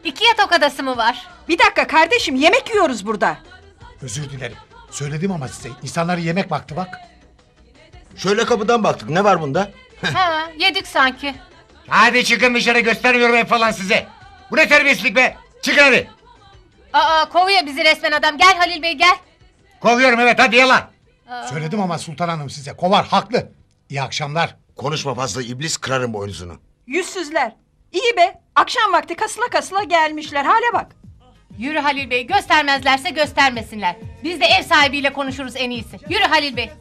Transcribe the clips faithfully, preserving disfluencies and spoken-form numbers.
İki yatak odası mı var? Bir dakika kardeşim, yemek yiyoruz burada. Özür dilerim. Söyledim ama size. İnsanlar yemek vakti bak. Şöyle kapıdan baktık, ne var bunda? Ha, yedik sanki. Hadi çıkın dışarı, göstermiyorum ev falan size. Bu ne terbiyesizlik be? Çıkın hadi. Aa, kovuyor bizi resmen adam. Gel Halil Bey gel. Kovuyorum evet, hadi yalan. Söyledim ama Sultan Hanım size. Kovar haklı. İyi akşamlar. Konuşma fazla iblis, kırarım boynuzunu. Yüzsüzler. İyi be, akşam vakti kasıla kasıla gelmişler, hale bak. Yürü Halil Bey, göstermezlerse göstermesinler. Biz de ev sahibiyle konuşuruz en iyisi. Yürü Halil Bey.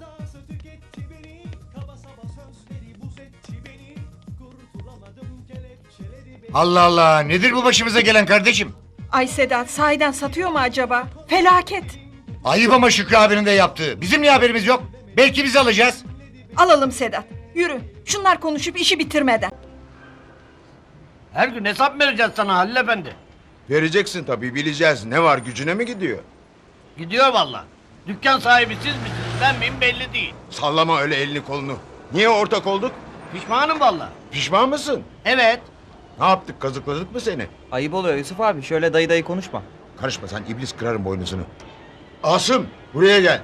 Allah Allah, nedir bu başımıza gelen kardeşim? Ay Sedat, sahiden satıyor mu acaba? Felaket. Ayıp ama Şükrü abinin de yaptığı. Bizim niye haberimiz yok? Belki biz alacağız. Alalım Sedat, yürü. Şunlar konuşup işi bitirmeden. Her gün hesap vereceğiz sana Halil Efendi. Vereceksin tabii, bileceğiz. Ne var, gücüne mi gidiyor? Gidiyor valla. Dükkan sahibi siz misiniz ben miyim belli değil. Sallama öyle elini kolunu. Niye ortak olduk? Pişmanım valla. Pişman mısın? Evet. Ne yaptık, kazıkladık mı seni? Ayıp oluyor Yusuf abi. Şöyle dayı dayı konuşma. Karışma sen, iblis, kırarım boynuzunu. Asım, buraya gel.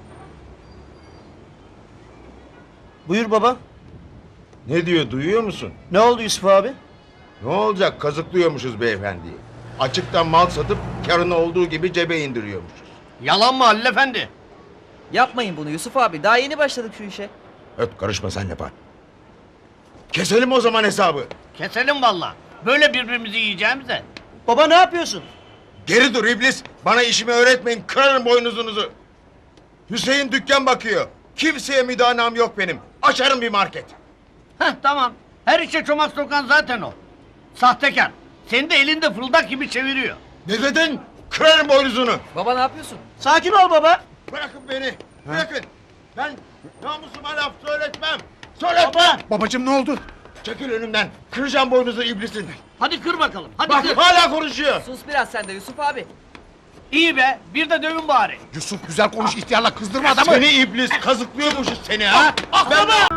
Buyur baba. Ne diyor, duyuyor musun? Ne oldu Yusuf abi? Ne olacak, kazıklıyormuşuz beyefendiyi. Açıktan mal satıp karını olduğu gibi cebe indiriyormuşuz. Yalan mı Halil Efendi? Yapmayın bunu Yusuf abi. Daha yeni başladık şu işe. Öt, karışma sen yapar. Keselim o zaman hesabı. Keselim valla. Böyle birbirimizi yiyeceğimize. Baba ne yapıyorsun? Geri dur iblis. Bana işimi öğretmeyin. Kırarım boynuzunuzu. Hüseyin dükkan bakıyor. Kimseye müdanam yok benim. Açarım bir market. Heh tamam. Her işe çomak sokan zaten o. Sahtekar. Seni de elinde fırıldak gibi çeviriyor. Ne dedin? Kırarım boynuzunu. Baba ne yapıyorsun? Sakin ol baba. Bırakın beni. Bırakın. Ben namusuma laf söyletmem. Söyletmem. Baba. Babacığım ne oldu? Çekil önümden. Kıracağım boynuzu iblisin. Hadi kır bakalım. Hadi Bak kır. hala konuşuyor. Sus biraz sen de Yusuf abi. İyi be. Bir de dövün bari. Yusuf güzel konuş, ihtiyarla kızdırma adamı. Seni iblis, kazıklıyormuşuz seni ha. Ben...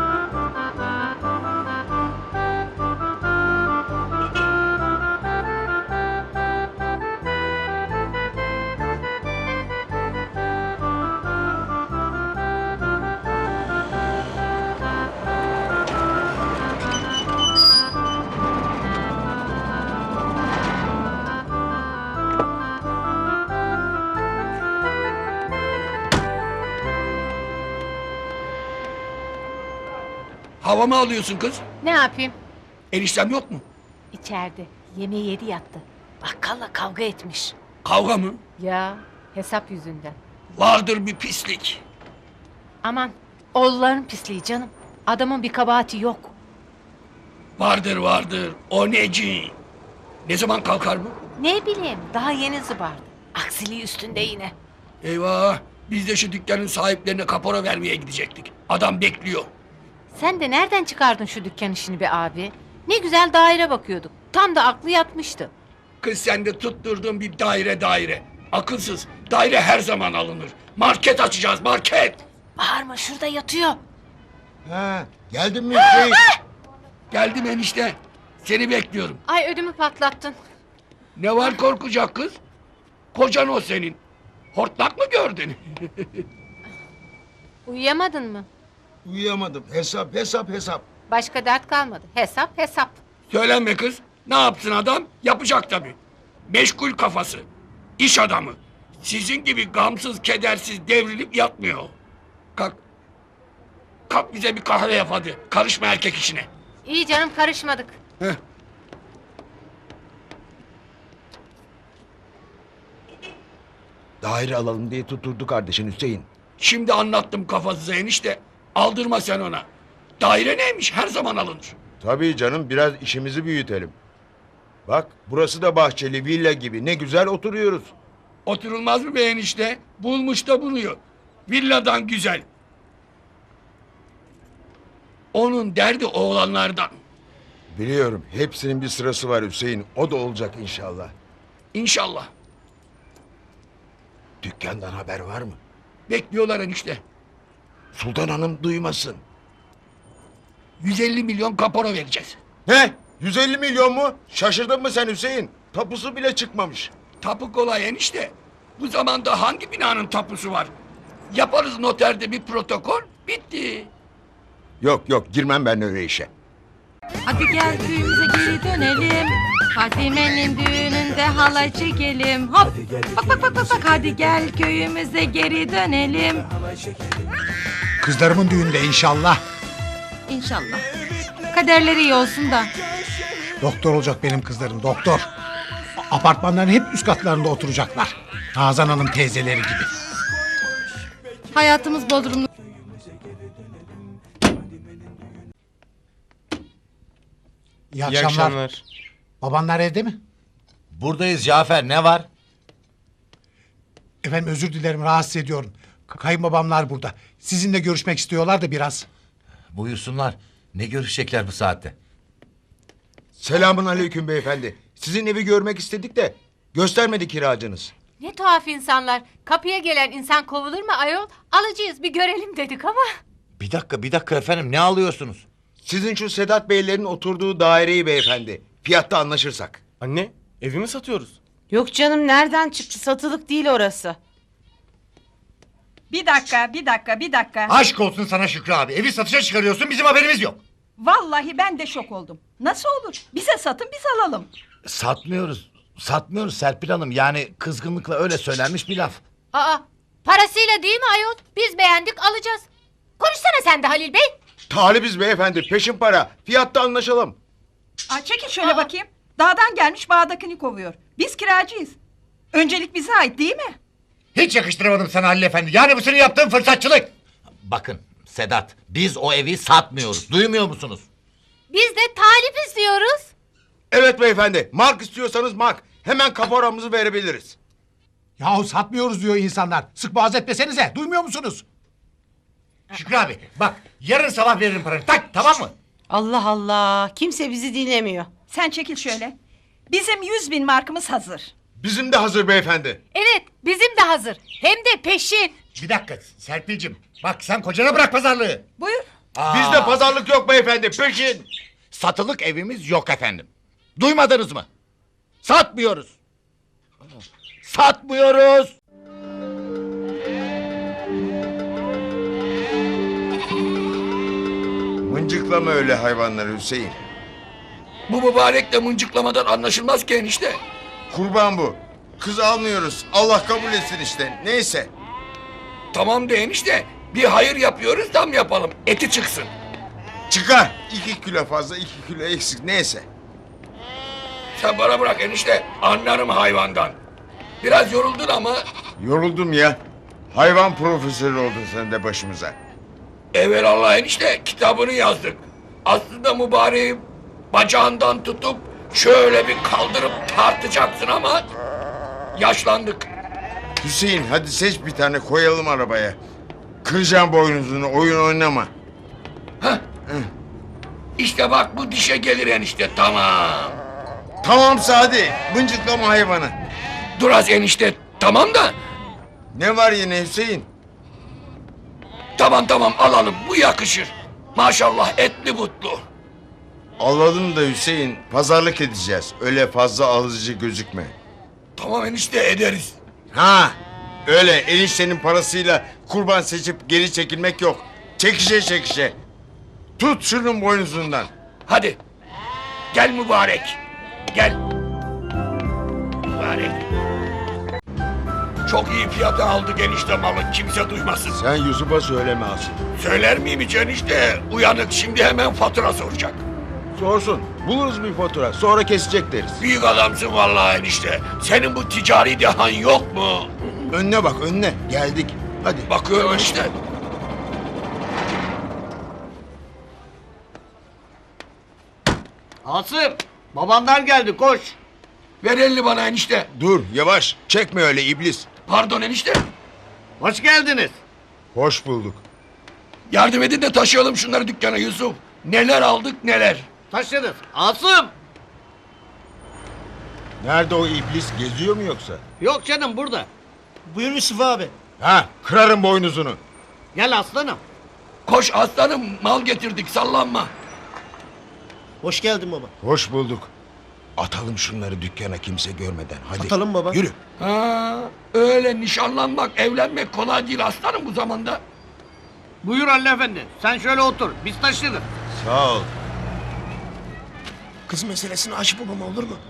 Hava mı alıyorsun kız? Ne yapayım? Eniştem yok mu? İçeride. Yemeği yedi yattı. Bakkalla kavga etmiş. Kavga mı? Ya hesap yüzünden. Vardır bir pislik. Aman oğulların pisliği canım. Adamın bir kabahati yok. Vardır vardır. O neci? Ne zaman kalkar bu? Ne bileyim daha yeni zıbardı. Aksiliği üstünde yine. Eyvah! Biz de şu dükkanın sahiplerine kapora vermeye gidecektik. Adam bekliyor. Sen de nereden çıkardın şu dükkan işini be abi? Ne güzel daire bakıyorduk. Tam da aklı yatmıştı. Kız sen de tutturdun bir daire daire. Akılsız. Daire her zaman alınır. Market açacağız market. Bağırma şurada yatıyor. Ha, geldin mi Hüseyin? Geldim enişte. Seni bekliyorum. Ay ödümü patlattın. Ne var korkacak kız? Kocan o senin. Hortlak mı gördün? Uyuyamadın mı? Uyuyamadım. Hesap, hesap, hesap. Başka dert kalmadı. Hesap hesap. Söylenme kız. Ne yapsın adam? Yapacak tabii. Meşgul kafası. İş adamı. Sizin gibi gamsız, kedersiz devrilip yatmıyor. Kalk. Kalk bize bir kahve yap hadi. Karışma erkek işine. İyi canım karışmadık. Heh. Daire alalım diye tutturdu kardeşin Hüseyin. Şimdi anlattım kafasıza enişte. Aldırma sen ona. Daire neymiş? Her zaman alınır. Tabii canım, biraz işimizi büyütelim. Bak, burası da bahçeli villa gibi. Ne güzel oturuyoruz. Oturulmaz mı be enişte? Bulmuş da buluyor. Villadan güzel. Onun derdi oğlanlardan. Biliyorum, hepsinin bir sırası var Hüseyin. O da olacak inşallah. İnşallah. Dükkandan haber var mı? Bekliyorlar enişte. Sultan Hanım duymasın. yüz elli milyon kapora vereceğiz. Ne? yüz elli milyon mu? Şaşırdın mı sen Hüseyin? Tapusu bile çıkmamış. Tapu kolay enişte. Bu zamanda hangi binanın tapusu var? Yaparız noterde bir protokol, bitti. Yok yok girmem ben öyle işe. Hadi gel köyümüze geri dönelim. Fatime'nin düğününde halay çekelim. Hop. Bak bak bak bak bak. Hadi gel köyümüze geri dönelim. Kızlarımın düğünde inşallah. İnşallah. Kaderleri iyi olsun da. Doktor olacak benim kızlarım, doktor. Apartmanların hep üst katlarında oturacaklar. Nazan Hanım teyzeleri gibi. Hayatımız Bodrumlu. İyi akşamlar. Babanlar evde mi? Buradayız Cafer, ne var? Efendim özür dilerim, rahatsız ediyorum. K- Kayınbabamlar burada. Sizinle görüşmek istiyorlar da biraz. Buyursunlar. Ne görüşecekler bu saatte? Selamun aleyküm beyefendi. Sizin evi görmek istedik de göstermedi kiracınız. Ne tuhaf insanlar. Kapıya gelen insan kovulur mu ayol? Alıcıyız bir görelim dedik ama. Bir dakika, bir dakika efendim, ne alıyorsunuz? Sizin şu Sedat Beylerin oturduğu daireyi beyefendi. Fiyatta anlaşırsak. Anne, evi mi satıyoruz? Yok canım nereden çıktı? Satılık değil orası. Bir dakika, bir dakika, bir dakika. Aşk olsun sana Şükrü abi. Evi satışa çıkarıyorsun, bizim haberimiz yok. Vallahi ben de şok oldum. Nasıl olur? Bize satın biz alalım. Satmıyoruz. Satmıyoruz Serpil Hanım. Yani kızgınlıkla öyle söylenmiş bir laf. Aa, parasıyla değil mi ayol? Biz beğendik alacağız. Konuşsana sen de Halil Bey. Talibiz beyefendi peşin para. Fiyatta anlaşalım. Aa, çekin şöyle bakayım. Dağdan gelmiş bağdakini kovuyor. Biz kiracıyız. Öncelik bize ait değil mi? Hiç yakıştıramadım sana Halil Efendi. Yani bu senin yaptığın fırsatçılık. Bakın Sedat, biz o evi satmıyoruz. Duymuyor musunuz? Biz de talip istiyoruz. Evet beyefendi. Mark istiyorsanız mark. Hemen kaporamızı verebiliriz. Yahu satmıyoruz diyor insanlar. Sık boğaz etmesenize. Duymuyor musunuz? Şükrü abi bak, yarın sabah veririm paranı. Tak, tamam mı? Allah Allah. Kimse bizi dinlemiyor. Sen çekil şöyle. Bizim yüz bin markımız hazır. Bizim de hazır beyefendi. Evet bizim de hazır. Hem de peşin. Bir dakika Serpil'cim. Bak sen kocana bırak pazarlığı. Buyur. Aa, Bizde pazarlık yok beyefendi. Peşin. satılık evimiz yok efendim. Duymadınız mı? Satmıyoruz. Satmıyoruz. Mıncıklama öyle hayvanları Hüseyin. Bu mübarekle mıncıklamadan anlaşılmaz ki enişte. Kurban bu. Kız almıyoruz. Allah kabul etsin işte. Neyse. Tamam de enişte. Bir hayır yapıyoruz, tam yapalım. Eti çıksın. Çıkar. İki kilo fazla, iki kilo eksik. Neyse. Sen bana bırak enişte. Anlarım hayvandan. Biraz yoruldun ama Yoruldum ya. Hayvan profesörü oldun sen de başımıza. evelallah enişte kitabını yazdık. Aslında mübareği bacağından tutup şöyle bir kaldırıp tartacaksın ama yaşlandık. Hüseyin hadi seç bir tane koyalım arabaya. Kıracağım boynuzunu, oyun oynama. Heh. İşte bak bu dişe gelir enişte, tamam. Tamam Sadi. Mıncıklama hayvanı. Dur az enişte, tamam da. Ne var yine Hüseyin? Tamam tamam alalım, bu yakışır. Maşallah etli butlu. Alalım da Hüseyin. Pazarlık edeceğiz. Öyle fazla alıcı gözükme. Tamam enişte ederiz. Ha, öyle eniştenin parasıyla kurban seçip geri çekilmek yok. Çekişe çekişe. Tut şunun boynuzundan. Hadi. Gel mübarek. Gel. Mübarek. Çok iyi fiyata aldık enişte malı. Kimse duymasın. Sen Yusuf'a söyleme asıl. Söyler miyim hiç enişte? Uyanık şimdi hemen fatura soracak. Sorsun. Buluruz bir fatura. Sonra kesecek deriz. Büyük adamsın vallahi enişte. Senin bu ticari dehan yok mu? Önüne bak önüne. Geldik. Hadi. Bakıyorum enişte. Asım, babanlar geldi koş. Ver elini bana enişte. Dur yavaş. Çekme öyle iblis. Pardon enişte. Hoş geldiniz. Hoş bulduk. Yardım edin de taşıyalım şunları dükkana Yusuf. Neler aldık neler. Taşırız. Asım. Nerede o iblis? Geziyor mu yoksa? Yok canım burada. Buyur Yusuf abi. Ha, kırarım boynuzunu. Gel aslanım. Koş aslanım, mal getirdik, sallanma. Hoş geldin baba. Hoş bulduk. Atalım şunları dükkana kimse görmeden. Hadi. Atalım baba. Yürü. Ha, öyle nişanlanmak, evlenmek kolay değil aslanım bu zamanda. Buyur Halil Efendi. Sen şöyle otur. Biz taşırız. Sağ ol. Kız meselesini aç babama olur mu?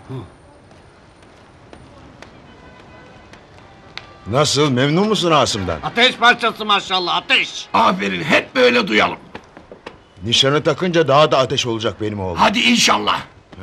Nasıl, memnun musun Asım'dan? Ateş parçası maşallah ateş. Aferin, hep böyle duyalım. Nişanı takınca daha da ateş olacak benim oğlum. Hadi inşallah.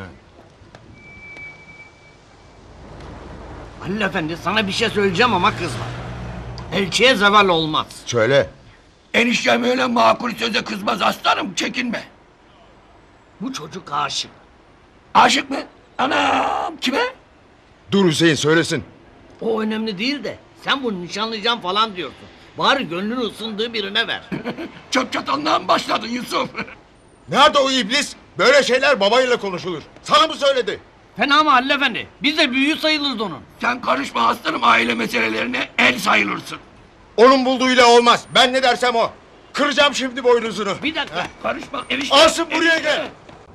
Halil Efendi sana bir şey söyleyeceğim ama kızma. Elçiye zeval olmaz. Söyle. Eniştem öyle makul söze kızmaz aslanım, çekinme. Bu çocuk aşık. Aşık mı? Anam, kime? Dur Hüseyin söylesin. O önemli değil de sen bunu nişanlayacağım falan diyorsun. Bari gönlünü ısındığı birine ver. Çöp çatanlığa mı başladın Yusuf? Nerede o iblis? Böyle şeyler babayla konuşulur. Sana mı söyledi? Fena mı Halil Efendi? Biz de büyüğü sayılırız onun. Sen karışma aslanım aile meselelerine, el sayılırsın. Onun bulduğuyla olmaz. Ben ne dersem o. Kıracağım şimdi boynuzunu. Bir dakika. Karışma enişte. Asım buraya enişte. gel.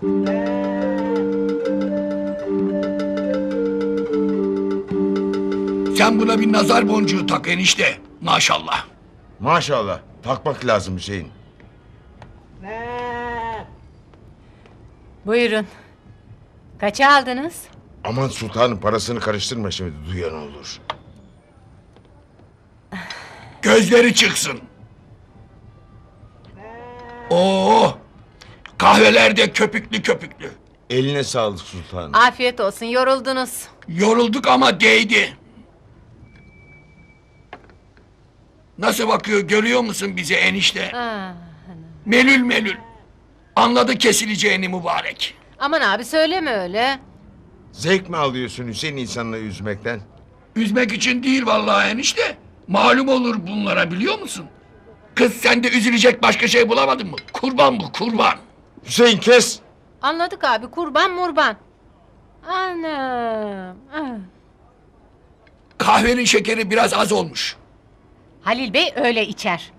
Sen buna bir nazar boncuğu tak enişte. Maşallah. Maşallah. Takmak lazım Hüseyin. Buyurun. Kaça aldınız? Aman sultanım parasını karıştırma şimdi duyan olur. Gözleri çıksın. Oo, kahveler de köpüklü köpüklü. Eline sağlık sultanım. Afiyet olsun, yoruldunuz. Yorulduk ama değdi. Nasıl bakıyor görüyor musun bize enişte? Ah, Melül melül. Anladı kesileceğini mübarek. aman abi söyleme öyle. Zevk mi alıyorsun Hüseyin insanları üzmekten? Üzmek için değil vallahi enişte. Malum olur bunlara biliyor musun? Kız sen de üzülecek başka şey bulamadın mı? Kurban bu kurban. Hüseyin kes. Anladık abi, kurban murban. Anam. ah. Kahvenin şekeri biraz az olmuş. Halil Bey öyle içer.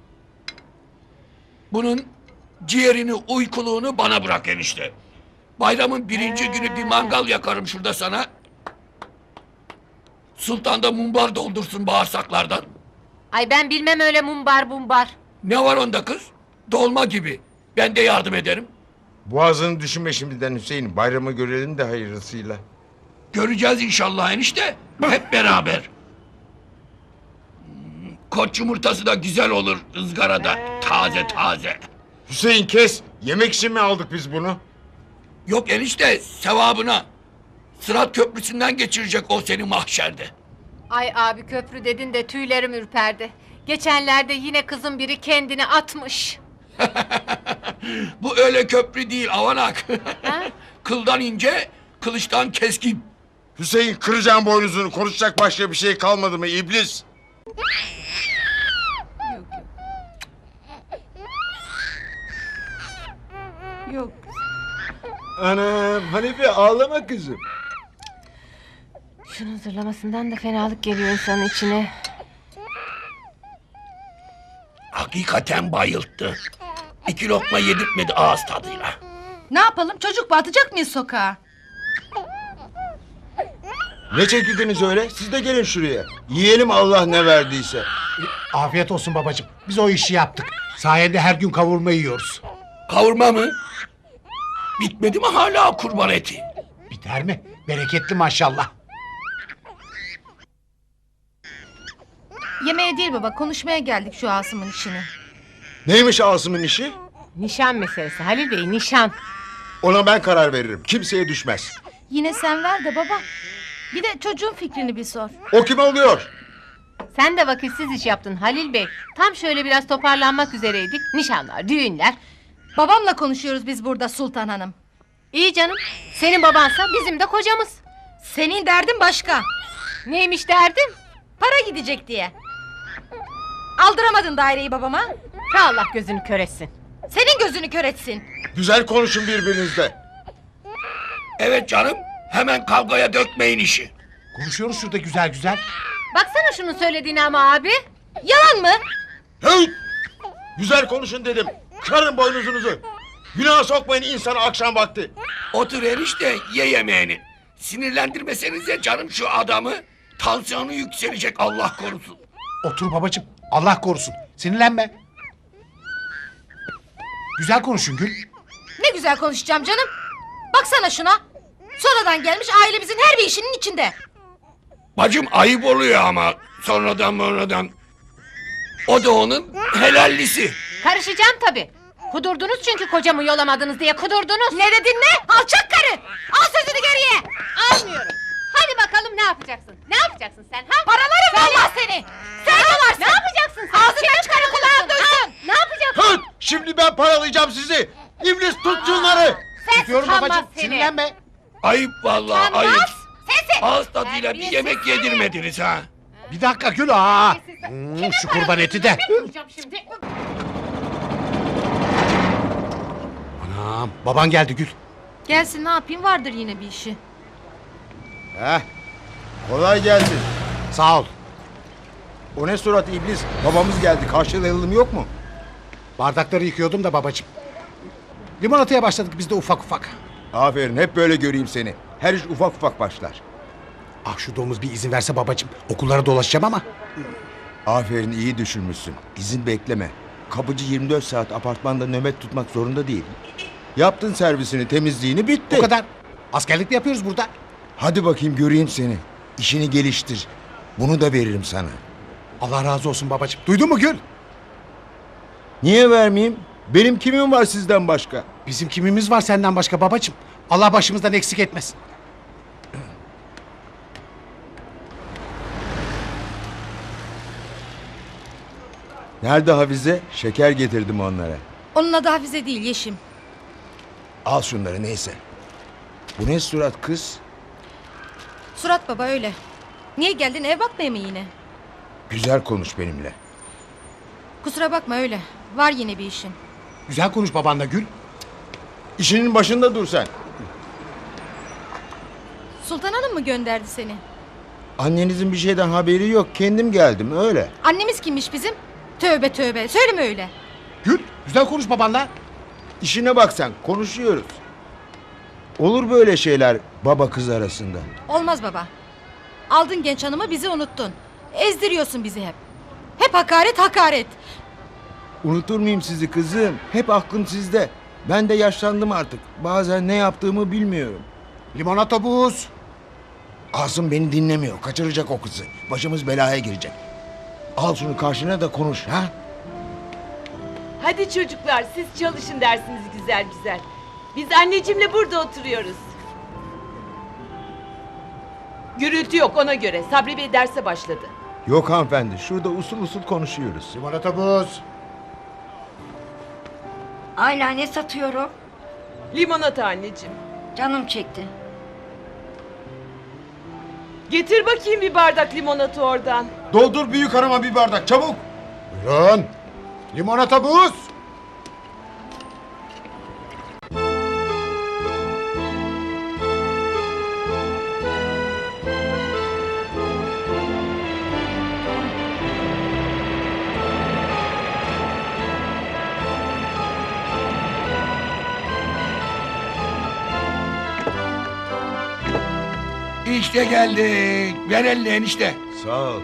Bunun ciğerini, uykuluğunu bana bırak enişte. Bayramın birinci günü bir mangal yakarım şurada sana. Sultan da mumbar doldursun bağırsaklardan. Ay ben bilmem öyle mumbar bumbar. Ne var onda kız? Dolma gibi. Ben de yardım ederim. Boğazını düşünme şimdiden Hüseyin. Bayramı görelim de hayırlısıyla. Göreceğiz inşallah enişte. Hep beraber. Hmm, Koç yumurtası da güzel olur ızgarada. Taze taze. Hüseyin kes. Yemek için mi aldık biz bunu? Yok enişte sevabına. Sırat köprüsünden geçirecek o seni mahşerde. Ay abi köprü dedin de tüylerim ürperdi. Geçenlerde yine kızın biri kendini atmış. Bu öyle köprü değil avanak. Ha? Kıldan ince, kılıçtan keskin. Hüseyin kıracağım boynuzunu. Konuşacak başka bir şey kalmadı mı iblis? Yok. Anam Hanife ağlama kızım. Şunun zırlamasından da fenalık geliyor insanın içine. Hakikaten bayılttı. İki lokma yedirtmedi ağız tadıyla. Ne yapalım çocuk mu atacak mıyız sokağa? Ne çekildiniz öyle? Siz de gelin şuraya. Yiyelim Allah ne verdiyse. Afiyet olsun babacığım. Biz o işi yaptık. Sayende her gün kavurma yiyoruz. Kavurma mı? Bitmedi mi hala kurban eti? Biter mi? Bereketli maşallah. Yemeğe değil baba, konuşmaya geldik şu Asım'ın işini. Neymiş Asım'ın işi? Nişan meselesi Halil Bey, nişan. Ona ben karar veririm. Kimseye düşmez. Yine sen ver de baba. Bir de çocuğun fikrini bir sor. O kim oluyor? Sen de vakitsiz iş yaptın Halil Bey. Tam şöyle biraz toparlanmak üzereydik. Nişanlar, düğünler. Babamla konuşuyoruz biz burada Sultan Hanım. İyi canım. Senin babansa bizim de kocamız. Senin derdin başka. Neymiş derdin? Para gidecek diye. Aldıramadın daireyi babama. Ha Allah gözünü kör etsin. Senin gözünü kör etsin. Güzel konuşun birbirinizle. Evet canım. Hemen kavgaya dökmeyin işi. Konuşuyoruz şurada güzel güzel. Baksana şunun söylediğine ama abi. Yalan mı? Hey! Güzel konuşun dedim. Kırarım boynuzunuzu. Günah sokmayın insanı akşam vakti. Otur enişte ye yemeğini. Sinirlendirmesenize canım şu adamı. Tansiyonu yükselecek Allah korusun. Otur babacığım. Allah korusun. Sinirlenme. Güzel konuşun Gül. Ne güzel konuşacağım canım. Baksana şuna. Sonradan gelmiş ailemizin her bir işinin içinde. Bacım ayıp oluyor ama sonradan sonradan. O da onun helallisi. Karışacağım tabii. Kudurdunuz çünkü kocamı yolamadınız diye kudurdunuz. Ne dedin ne? Alçak karı. Al sözünü geriye. Almıyorum. Hadi bakalım ne yapacaksın? Ne yapacaksın sen ha? Paralarım Söyle. vallahi seni. Sen yolarsın. Ne yapacaksın sen? Ağzından Senin çıkanı karın kulağın olsun, duysun. ha? Ne yapacaksın? Tut! Şimdi ben paralayacağım sizi. İblis tut şunları. Sen Tutuyorum utanmaz babacığım. seni. Sinirlenme. Ayıp vallahi Utanmaz. ayıp. Sensin. Ağız tadıyla bir Terbiyesiz yemek seni. yedirmediniz ha. Bir dakika Gül. Aa. Hmm, şu kurban eti de. Vuracağım şimdi. Anam, baban geldi Gül. Gelsin ne yapayım vardır yine bir işi. Heh. Kolay gelsin. Sağ ol. O ne surat iblis? Babamız geldi. Karşılayalım yok mu? Bardakları yıkıyordum da babacığım. Limonataya başladık biz de ufak ufak. Aferin hep böyle göreyim seni. Her iş ufak ufak başlar. Ah şu domuz bir izin verse babacığım. Okullara dolaşacağım ama. Aferin iyi düşünmüşsün. İzin bekleme. Kapıcı yirmi dört saat apartmanda nöbet tutmak zorunda değil. Yaptın servisini, temizliğini bitti. O kadar. Askerlik mi yapıyoruz burada? Hadi bakayım göreyim seni. İşini geliştir. Bunu da veririm sana. Allah razı olsun babacığım. Duydun mu Gül? Niye vermeyeyim? Benim kimim var sizden başka? Bizim kimimiz var senden başka babacığım. Allah başımızdan eksik etmesin. Nerede Hafize? Şeker getirdim onlara. Onun adı Hafize değil Yeşim. Al şunları neyse. Bu ne surat kız? Surat baba öyle. Niye geldin ev bakmaya mı yine? Güzel konuş benimle. Kusura bakma öyle. Var yine bir işin. Güzel konuş babanla Gül. İşinin başında dur sen. Sultan Hanım mı gönderdi seni? Annenizin bir şeyden haberi yok. Kendim geldim öyle. Annemiz kimmiş bizim? Tövbe tövbe. Söyleme öyle. Gül güzel konuş babanla. İşine bak sen. Konuşuyoruz. Olur böyle şeyler baba kız arasında. Olmaz baba. Aldın genç hanımı bizi unuttun. Ezdiriyorsun bizi hep. Hep hakaret hakaret. Unutur muyum sizi kızım? Hep aklım sizde. Ben de yaşlandım artık. Bazen ne yaptığımı bilmiyorum. Limonata buz. Asım beni dinlemiyor. Kaçıracak o kızı. Başımız belaya girecek. Al şunu karşına da konuş ha. Hadi çocuklar siz çalışın dersiniz güzel güzel. Biz anneciğimle burada oturuyoruz. Gürültü yok ona göre. Sabri Bey derse başladı. Yok hanımefendi. Şurada usul usul konuşuyoruz. Limonata buz. Ayla ne satıyorum? Limonata anneciğim. Canım çekti. Getir bakayım bir bardak limonata oradan. Doldur büyük hanıma bir bardak çabuk. Buyurun. Limonata buz. İşte geldik. Ver elini enişte. Sağ ol.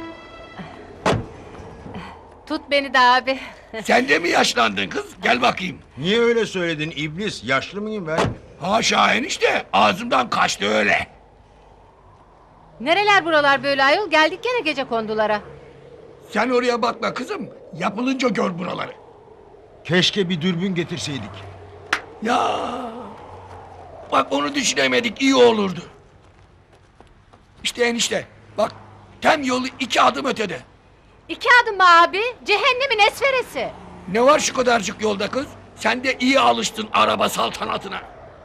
Tut beni de abi. Sen de mi yaşlandın kız? Gel bakayım. Niye öyle söyledin iblis? Yaşlı mıyım ben? Haşa enişte. Ağzımdan kaçtı öyle. Nereler buralar böyle ayol? Geldik gene gece kondulara. Sen oraya bakma kızım. Yapılınca gör buraları. Keşke bir dürbün getirseydik. Ya. Bak onu düşünemedik. İyi olurdu. İşte enişte. Bak. Tem yolu iki adım ötede. İki adım mı abi? Cehennemin esferesi. Ne var şu kadarcık yolda kız? Sen de iyi alıştın araba saltanatına.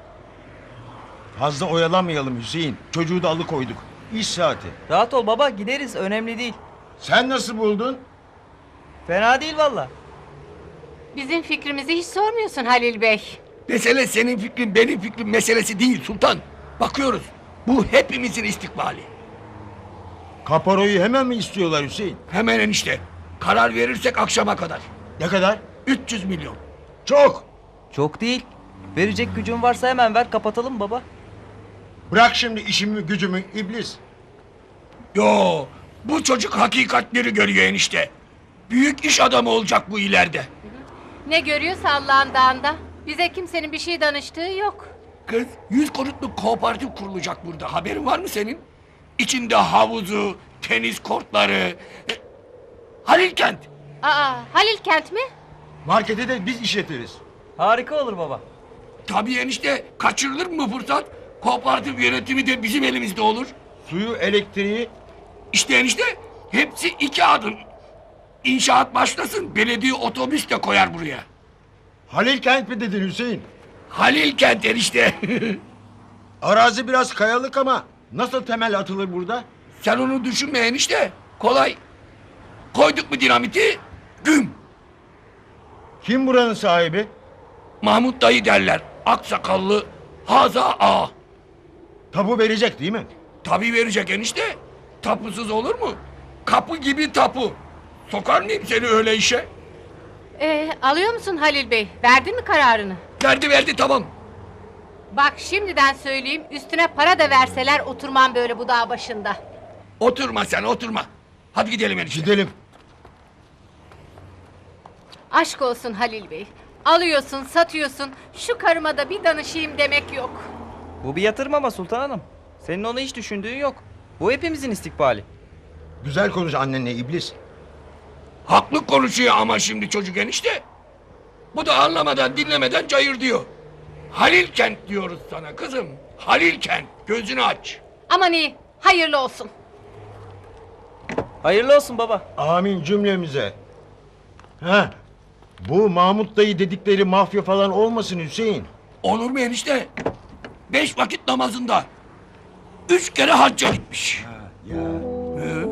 Fazla oyalanmayalım Hüseyin. Çocuğu da alıkoyduk. İş saati. Rahat ol baba, gideriz, önemli değil. Sen nasıl buldun? Fena değil valla. Bizim fikrimizi hiç sormuyorsun Halil Bey. Mesele senin fikrin benim fikrim meselesi değil sultan. Bakıyoruz. Bu hepimizin istikbali. Kaparoyu hemen mi istiyorlar Hüseyin? Hemen enişte. Karar verirsek akşama kadar. Ne kadar? üç yüz milyon. Çok. Çok değil. Verecek gücün varsa hemen ver kapatalım baba. Bırak şimdi işimi gücümü iblis. Yo, bu çocuk hakikatleri görüyor enişte. Büyük iş adamı olacak bu ileride. Ne görüyorsa Allah'ın dağında. Bize kimsenin bir şey danıştığı yok. Kız, yüz konutluk kooperatif kurulacak burada. Haberin var mı senin? İçinde havuzu, tenis kortları... E, Halil Kent. Aa, Halil Kent mi? Marketi de biz işletiriz. Harika olur baba. Tabii enişte, kaçırılır mı fırsat? Kooperatif yönetimi de bizim elimizde olur. Suyu, elektriği... İşte enişte, hepsi iki adım. İnşaat başlasın, belediye otobüs de koyar buraya. Halil Kent mi dedin Hüseyin? Halil Kent enişte. Arazi biraz kayalık ama nasıl temel atılır burada? Sen onu düşünme enişte, kolay. Koyduk mu dinamiti, güm. Kim buranın sahibi? Mahmut dayı derler, aksakallı Haza Ağa. Tapu verecek değil mi? Tabii verecek enişte. Tapusuz olur mu? Kapı gibi tapu. Sokar mıyım seni öyle işe? Ee, alıyor musun Halil Bey? Verdin mi kararını? Verdi verdi tamam. Bak şimdiden söyleyeyim, üstüne para da verseler oturmam böyle bu dağ başında. Oturma sen oturma. Hadi gidelim enişte. Gidelim. Aşk olsun Halil Bey. Alıyorsun, satıyorsun. Şu karıma da bir danışayım demek yok. Bu bir yatırım ama Sultan Hanım. Senin onu hiç düşündüğün yok. Bu hepimizin istikbali. Güzel konuş annenle iblis. Haklı konuşuyor ama şimdi çocuk enişte. Bu da anlamadan dinlemeden cayır diyor. Halil Kent diyoruz sana kızım. Halil Kent. Gözünü aç. Aman iyi, hayırlı olsun. Hayırlı olsun baba. Amin cümlemize. Ha, bu Mahmut dayı dedikleri mafya falan olmasın Hüseyin. Olur mu enişte? Beş vakit namazında. Üç kere hacca gitmiş. Ya. Ee?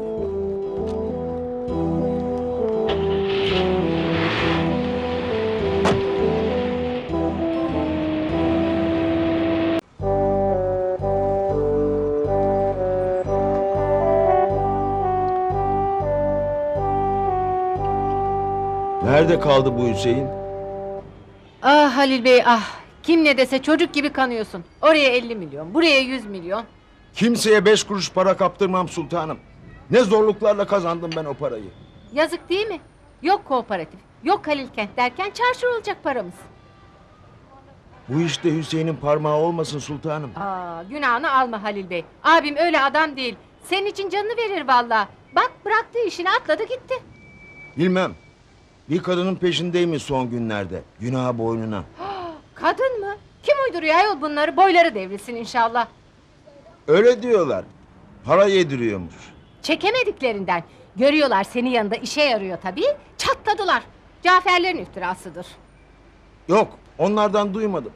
Nerede kaldı bu Hüseyin? Ah Halil Bey ah. Kim ne dese çocuk gibi kanıyorsun. Oraya elli milyon, buraya yüz milyon. Kimseye beş kuruş para kaptırmam sultanım. Ne zorluklarla kazandım ben o parayı. Yazık değil mi? Yok kooperatif, yok Halil Kent derken çarşır olacak paramız. Bu işte Hüseyin'in parmağı olmasın sultanım. Aa, günahını alma Halil Bey. Abim öyle adam değil. Senin için canını verir vallahi. Bak bıraktı işini atladı gitti. Bilmem. Bir kadının peşindeymiş son günlerde. Günah boynuna. Kadın mı? Kim uyduruyor ayol bunları? Boyları devrilsin inşallah. Öyle diyorlar. Para yediriyormuş. Çekemediklerinden. Görüyorlar senin yanında işe yarıyor tabii. Çatladılar. Caferlerin iftirasıdır. Yok, onlardan duymadım.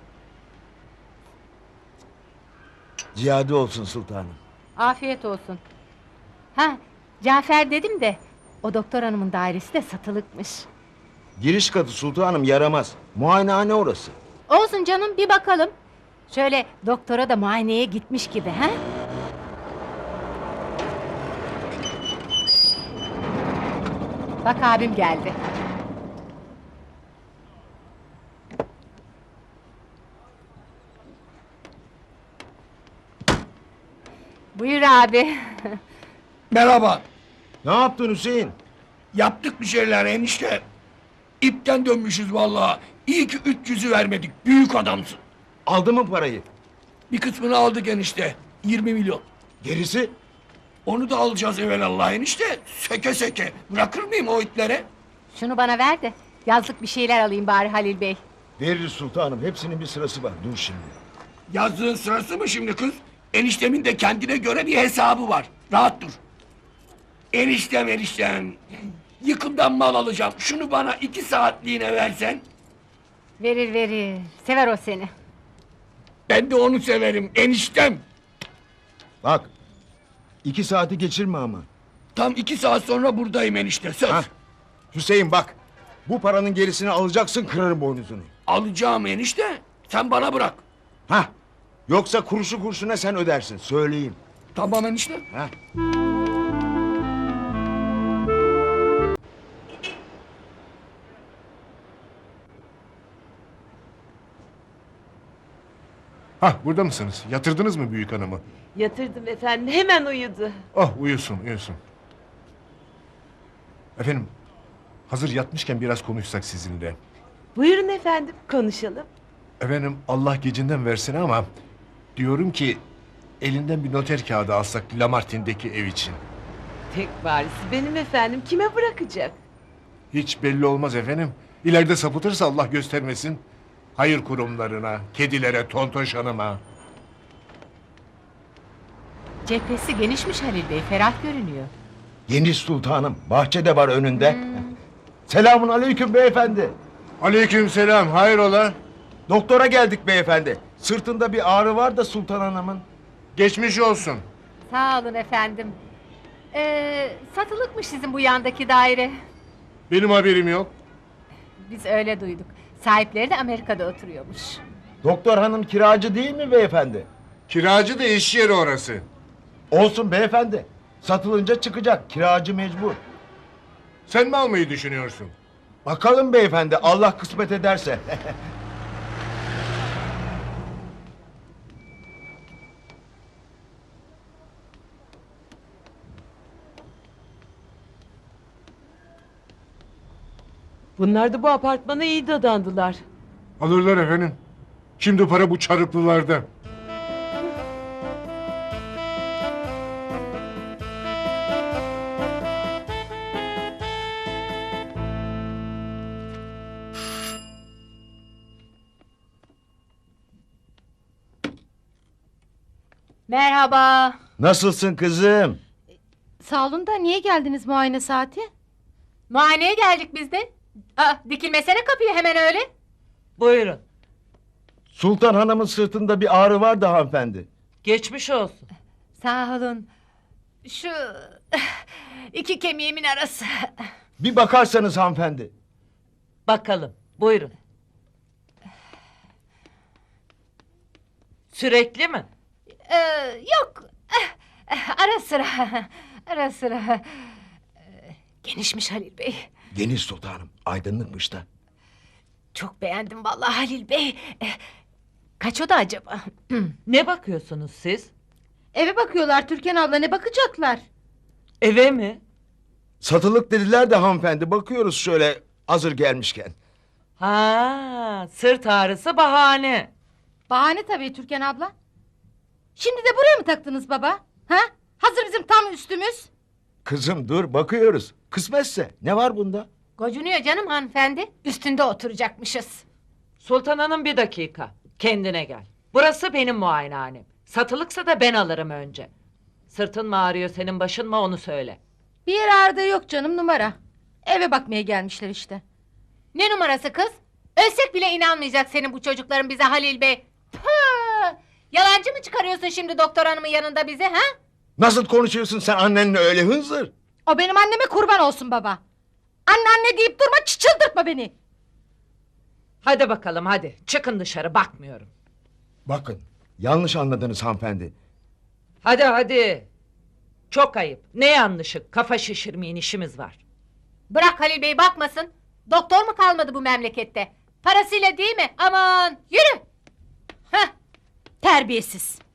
Ziyade olsun sultanım. Afiyet olsun. Ha, Cafer dedim de o doktor hanımın dairesi de satılıkmış. Giriş katı sultanım yaramaz. Muayenehane orası. Olsun canım bir bakalım. Şöyle doktora da muayeneye gitmiş gibi ha? Bak abim geldi. Buyur abi. Merhaba. Ne yaptın Hüseyin? Yaptık bir şeyler enişte. İpten dönmüşüz vallahi. İyi ki üç yüzü vermedik. Büyük adamsın. Aldı mı parayı? Bir kısmını aldık enişte. Yirmi milyon. Gerisi? Onu da alacağız evvelallah enişte. Seke seke. Bırakır mıyım o itlere? Şunu bana ver de yazlık bir şeyler alayım bari Halil Bey. Veririz sultanım. Hepsinin bir sırası var. Dur şimdi. Yazdığın sırası mı şimdi kız? Eniştemin de kendine göre bir hesabı var. Rahat dur. Eniştem eniştem. Yıkımdan mal alacağım. Şunu bana iki saatliğine versen. Verir verir. Sever o seni. Ben de onu severim eniştem. Bak. iki saati geçirme ama. Tam iki saat sonra buradayım enişte söz. Hah. Hüseyin bak. Bu paranın gerisini alacaksın, kırarım boynuzunu. Alacağım enişte. Sen bana bırak. Hah. Yoksa kuruşu kurşuna sen ödersin. Söyleyeyim. Tamam enişte. Hah. Hah, burada mısınız? Yatırdınız mı büyük hanımı? Yatırdım efendim, hemen uyudu. Oh, uyusun uyusun. Efendim, hazır yatmışken biraz konuşsak sizinle. Buyurun efendim, konuşalım. Efendim, Allah gecinden versin ama... ...diyorum ki... ...elinden bir noter kağıdı alsak Lamartine'deki ev için. Tek varisi benim efendim, kime bırakacak? Hiç belli olmaz efendim. İleride sapıtırsa Allah göstermesin. Hayır kurumlarına, kedilere, tontoş hanıma. Cephesi genişmiş Halil Bey, ferah görünüyor. Yeni sultanım. Bahçede var önünde. Selamun aleyküm beyefendi. Aleyküm selam, hayrola? Doktora geldik beyefendi. Sırtında bir ağrı var da sultan hanımın. Geçmiş olsun. Sağ olun efendim. Ee, satılıkmış sizin bu yandaki daire. Benim haberim yok. Biz öyle duyduk. Sahipleri de Amerika'da oturuyormuş. Doktor hanım kiracı değil mi beyefendi? Kiracı da iş yeri orası. Olsun beyefendi. Satılınca çıkacak. Kiracı mecbur. Sen mi almayı düşünüyorsun? Bakalım beyefendi. Allah kısmet ederse. Bunlar da bu apartmana iyi dadandılar. Alırlar efendim. Şimdi para bu çarıklılarda. Merhaba. Nasılsın kızım? Sağ olun da niye geldiniz muayene saati? Muayeneye geldik biz de. Aa, dikilmesene kapıyı hemen öyle. Buyurun. Sultan hanımın sırtında bir ağrı var da hanımefendi. Geçmiş olsun. Sağ olun. Şu iki kemiğimin arası. Bir bakarsanız hanımefendi. Bakalım. Buyurun. Sürekli mi? Ee, yok. Ara sıra. Ara sıra. Ee, Genişmiş Halil Bey. Geniş sultanım. Aydınlıkmış da. Çok beğendim vallahi Halil Bey. Ee, Kaç oda acaba? Ne bakıyorsunuz siz? Eve bakıyorlar Türkan abla, ne bakacaklar? Eve mi? Satılık dediler de hanımefendi. Bakıyoruz şöyle hazır gelmişken. Ha, sırt ağrısı bahane. Bahane tabii Türkan abla. Şimdi de buraya mı taktınız baba? Ha? Hazır bizim tam üstümüz. Kızım dur bakıyoruz. Kısmetse ne var bunda? Gocunuyor canım hanımefendi. Üstünde oturacakmışız. Sultan Hanım bir dakika. Kendine gel. Burası benim muayenehanem. Satılıksa da ben alırım önce. Sırtın mı ağrıyor senin başın mı onu söyle. Bir yer ağrıda yok canım, numara. Eve bakmaya gelmişler işte. Ne numarası kız? Ölsek bile inanmayacak senin bu çocukların bize Halil Bey. Pıh! Yalancı mı çıkarıyorsun şimdi doktor hanımın yanında bize ha? Nasıl konuşuyorsun sen annenle öyle hınzır? O benim anneme kurban olsun baba. Anne anne deyip durma, çıldırtma beni. Hadi bakalım hadi. Çıkın dışarı bakmıyorum. Bakın yanlış anladınız hanımefendi. Hadi hadi. Çok ayıp. Ne yanlışı? Kafa şişirmeyin, işimiz var. Bırak Halil Bey bakmasın. Doktor mu kalmadı bu memlekette? Parasıyla değil mi? Aman yürü. Heh. Terbiyesiz.